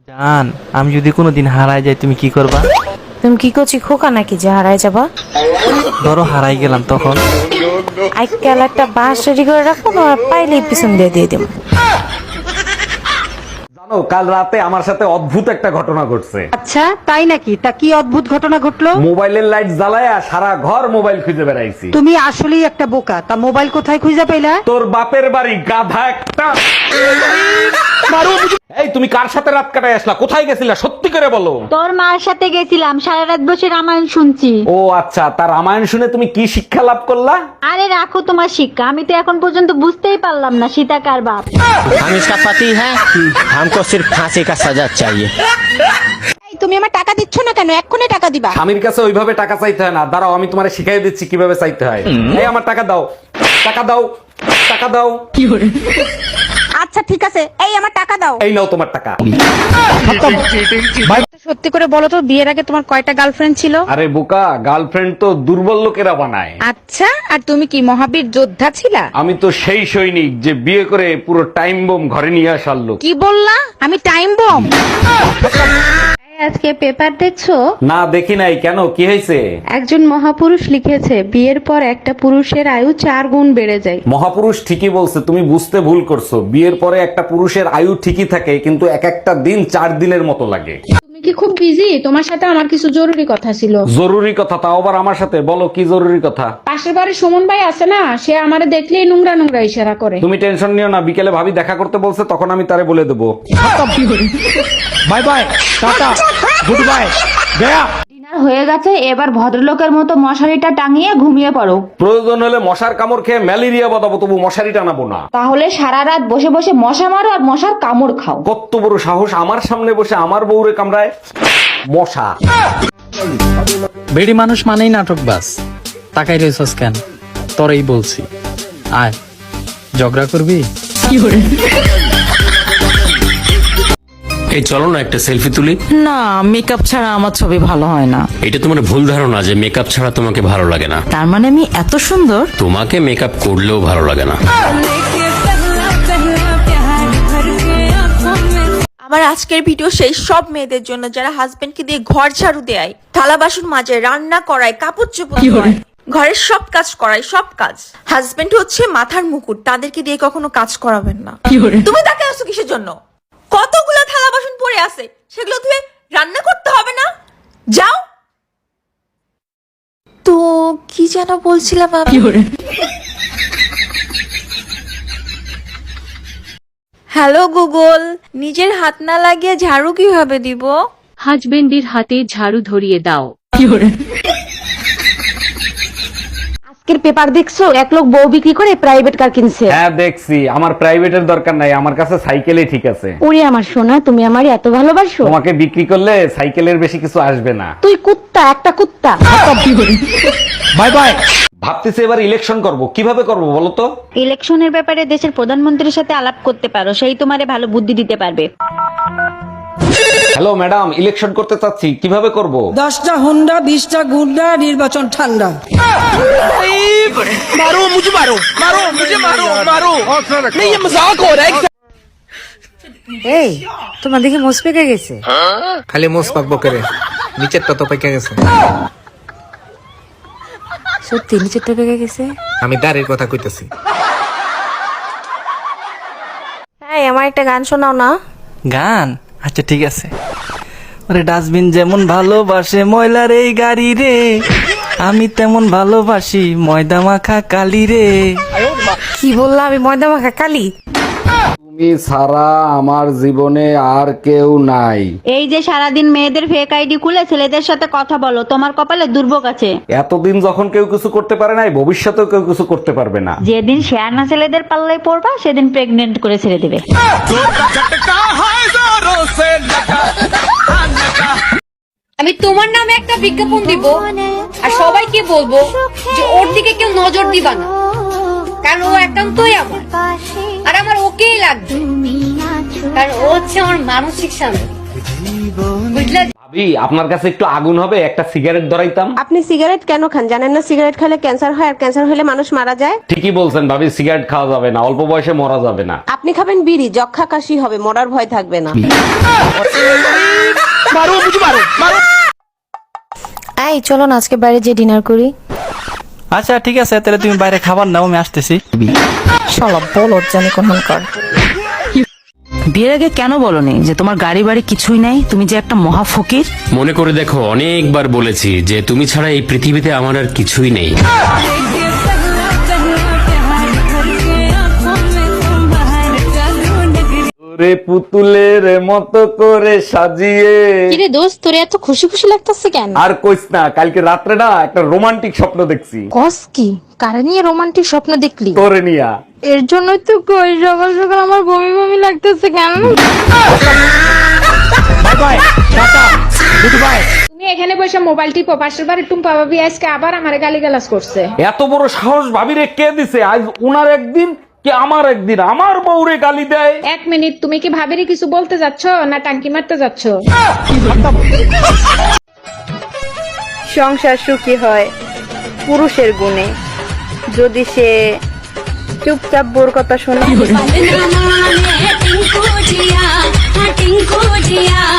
জান, আমি যদি কোনোদিন হারাই যাই তুমি কি করবা? তুমি কি করছি খোকা নাকি যে হারাই যাবা? ধরো হারাই গেলাম তখন? আজকাল একটা বাঁশ রেডি করে রাখবো, তোমার পাইলেই পিছন দিয়ে দিয়ে দেবো। জানো, কাল রাতে আমার সাথে অদ্ভুত একটা ঘটনা ঘটছে। আচ্ছা তাই নাকি? তা কি অদ্ভুত ঘটনা ঘটলো? মোবাইলের লাইট জ্বালায়া সারা ঘর মোবাইল খুঁজে বেড়াইছি। তুমি আসলেই একটা বোকা। তা মোবাইল কোথায় খুঁজে পেলা? তোর বাপের বাড়ি, গাধা একটা। এই তুমি কার সাথে রাত কাটায় আসলা? কোথায় গেছিলা সত্যি করে বলো। তোর মার সাথে গেছিলাম, সারা রাত বসে রামায়ণ শুনছি। ও আচ্ছা, তার রামায়ণ শুনে তুমি কি শিক্ষা লাভ করলা? আরে রাখো তোমার শিক্ষা, আমি তো এখন পর্যন্ত বুঝতেই পারলাম না সীতা কার বাপ। हम इसका पति है, हमको सिर्फ फांसी का सजा चाहिए। তুমি আমার টাকা দিচ্ছ না কেন? এক্ষুনি টাকা দিবা। স্বামীর কাছে ওইভাবে টাকা চাইতে হয় না। দাঁড়াও, আমি তোমারে শিখাই দিচ্ছি কিভাবে চাইতে হয়। এই আমার টাকা দাও, টাকা দাও, টাকা দাও। আচ্ছা ঠিক আছে, এই আমার টাকা দাও। এই নাও তোমার টাকা। সত্যি করে বলো তো, বিয়ের আগে তোমার কয়টা গার্লফ্রেন্ড ছিল? আরে বোকা, গার্লফ্রেন্ড তো দুর্বল লোকেরা বানায়। আচ্ছা, আর তুমি কি মহাবীর যোদ্ধা ছিলা? আমি তো সেই সৈনিক যে বিয়ে করে পুরো টাইম বোম ঘরে নিয়ে আসার লোক। কি বললা? আমি টাইম বম? আজকে পেপার দেখছো? না দেখি নাই, কেন কি হয়েছে? একজন মহাপুরুষ লিখেছে বিয়ের পর একটা পুরুষের আয়ু 4 গুণ বেড়ে যায়। মহাপুরুষ ঠিকই বলছে, তুমি বুঝতে ভুল করছো। বিয়ের পরে একটা পুরুষের আয়ু ঠিকই থাকে, কিন্তু এক একটা দিন 4 দিনের মতো লাগে। তুমি কি খুব বিজি? তোমার সাথে আমার কিছু জরুরি কথা ছিল। জরুরি কথা? তাও আবার আমার সাথে? বলো কি জরুরি কথা। পাশের বাড়ির সুমন ভাই আছে না, সে আমারে দেখলেই নোংরা নোংরা ইশারা করে। তুমি টেনশন নিও না, বিকেলে ভাবি দেখা করতে বলছে, তখন আমি তারে বলে দেবো। Bye bye, tata, good bye, गया। ডিনার হয়ে গেছে, এবার ভদ্রলোকের মতো মশারিটা টাঙিয়ে ঘুমিয়ে পড়ো। প্রয়োজন হলে মশার কামড় খেয়ে ম্যালেরিয়া বাঁধাবো, তবু মশারি টানাবো না। তাহলে সারা রাত বসে বসে মশা মারো আর মশার কামড় খাও। কত বড় সাহস আমার সামনে বসে আমার বউরে কামড়ায় মশা। বেড়ি মানুষ মানেই নাটকবাজ। তাকাই রয়েছস কেন? তোরই বলছি, আয় ঝগড়া করবি। এই চলো না একটা সেলফি তুলি। না, মেকআপ ছাড়া আমার ছবি ভালো হয় না। এটা তোমার ভুল ধারণা যে মেকআপ ছাড়া তোমাকে ভালো লাগে না। তার মানে আমি এত সুন্দর? তোমাকে মেকআপ করলেও ভালো লাগে না। আমার আজকের ভিডিও সেই সব মেয়েদের জন্য যারা হাজবেন্ডকে দিয়ে ঘর ঝাড়ু দেয়, থালা বাসন মাজে, রান্না করায়, কাপড় চোপড় ধোয়, ঘরের সব কাজ করায়, সব কাজ। হাজবেন্ড হচ্ছে মাথার মুকুট, তাদেরকে দিয়ে কখনো কাজ করাবেন না। তুমি তাকে আসো কিসের জন্য? কতগুলো থালা বাসন পড়ে আছে, সেগুলো ধুয়ে রান্না করতে হবে না? যাও তো। কি যেন বলছিলাম আমি? হ্যালো গুগল, নিজের হাত না লাগিয়ে ঝাড়ু কিভাবে দিব? হাজবেন্ডের হাতে ঝাড়ু ধরিয়ে দাও। আজকের পেপার দেখছো? এক লোক বউ বিক্রি করে প্রাইভেট কার কিনছে। হ্যাঁ দেখছি। আমার প্রাইভেটের দরকার নাই, আমার কাছে সাইকেলই ঠিক আছে। ওরে আমার সোনা, তুমি আমার এত ভালোবাসো? তোমাকে বিক্রি করলে সাইকেলের বেশি কিছু আসবে না। তুই কুত্তা, একটা কুত্তা। Bye bye. ভাবতেছি এবার ইলেকশন করব, কিভাবে করব বলো তো? ইলেকশনের ব্যাপারে দেশের প্রধানমন্ত্রীর সাথে আলাপ করতে পারো, সেই তোমারে ভালো বুদ্ধি দিতে পারবে। হ্যালো ম্যাডাম, ইলেকশন করতে চাচ্ছি, কিভাবে করব? 10টা হুন্ডা, 20টা গুন্ডা, নির্বাচন ঠান্ডা। এই তোমার দেখে মোস পেকে গেছে। খালি মোস পাকবো করে, নিচেরটা তো পেকে গেছে। সত্যি নিচেরটা পেকে গেছে? আমি দাঁড়ের কথা কইতেছি। হ্যাঁ, আমার একটা গান শোনাও না। গান? আচ্ছা ঠিক আছে। ওরে ডাস্টবিন যেমন ভালোবাসে ময়লার এই গাড়ি রে, আমি তেমন ভালোবাসি ময়দা মাখা কালি রে। কি বললা? আমি ময়দা মাখা কালি? তুমি ছাড়া আমার জীবনে আর কেউ নাই। এই যে সারাদিন মেয়েদের ফেক আইডি খুলে ছেলেদের সাথে কথা বলো, তোমার কপালে দুর্ভোগ আছে। এতদিন যখন কেউ কিছু করতে পারে নাই, ভবিষ্যতেও কেউ কিছু করতে পারবে না। যেদিন শেয়ানা ছেলেদের পাল্লায় পড়বা সেদিন প্রেগনেন্ট করে ছেড়ে দেবে। আমি তোমার নামে একটা বিজ্ঞাপন দিব আর সবাইকে বলবো যে ওর দিকে কেউ নজর দিবা না, কারণ ও একান্তই আমার, আর আমার ওকেই লাগবে, কারণ ও হচ্ছে আমার মানসিক শান্তি। বুঝলে? ভাবি, আপনার কাছে একটু আগুন হবে? একটা সিগারেট ধরাইতাম। আপনি সিগারেট কেন খান জানেন না? সিগারেট খেলে ক্যান্সার হয়, আর ক্যান্সার হলে মানুষ মারা যায়। ঠিকই বলছেন ভাবি, সিগারেট খাওয়া যাবে না, অল্প বয়সে মরা যাবে না। আপনি খাবেন বিড়ি, যক্ষা কাশি হবে, মরার ভয় থাকবে না। এই চলো না আজকে বাইরে যে ডিনার করি। আচ্ছা ঠিক আছে, তাহলে তুমি বাইরে খাবার নাও, আমি আসতেছি। শালা বলো জানি কোন কর। বিয়ের আগে কেন বলনি যে তোমার গাড়ি বাড়ি কিছুই নাই, তুমি যে একটা মহা ফকির? মনে করে দেখো, অনেকবার বলেছি যে তুমি ছাড়া এই পৃথিবীতে আমার আর কিছুই নেই। রে পুতুলের মতো করে সাজিয়ে। কিরে দোস্ত তোরে এত খুশি খুশি লাগতেছে কেন? আর কইস না, কালকে রাত্রে না একটা রোমান্টিক স্বপ্ন দেখছি। কস কি কারে নিয়ে রোমান্টিক স্বপ্ন দেখলি? তোরে নিয়া। এর জন্যই তো কই সকাল সকাল আমার বমি বমি লাগতেছে কেন? তুমি এখানে বসে মোবাইল টিপো, পাশের বাড়ির টুম্পা ভাবি আজকে আবার আমারে গালিগালাজ করছে। এত বড় সাহস ভাবিরে কে দিছে? আজ উনার একদিন কি আমার একদিন, আমার বউরে গালি দেয়। 1 মিনিট, তুমি কি ভাবিরে কিছু বলতে যাচ্ছ না টাঙ্কি মারতে যাচ্ছ? সংসার সুখী হয় পুরুষের গুণে, যদি সে চুপচাপ বোর কথা শোনে।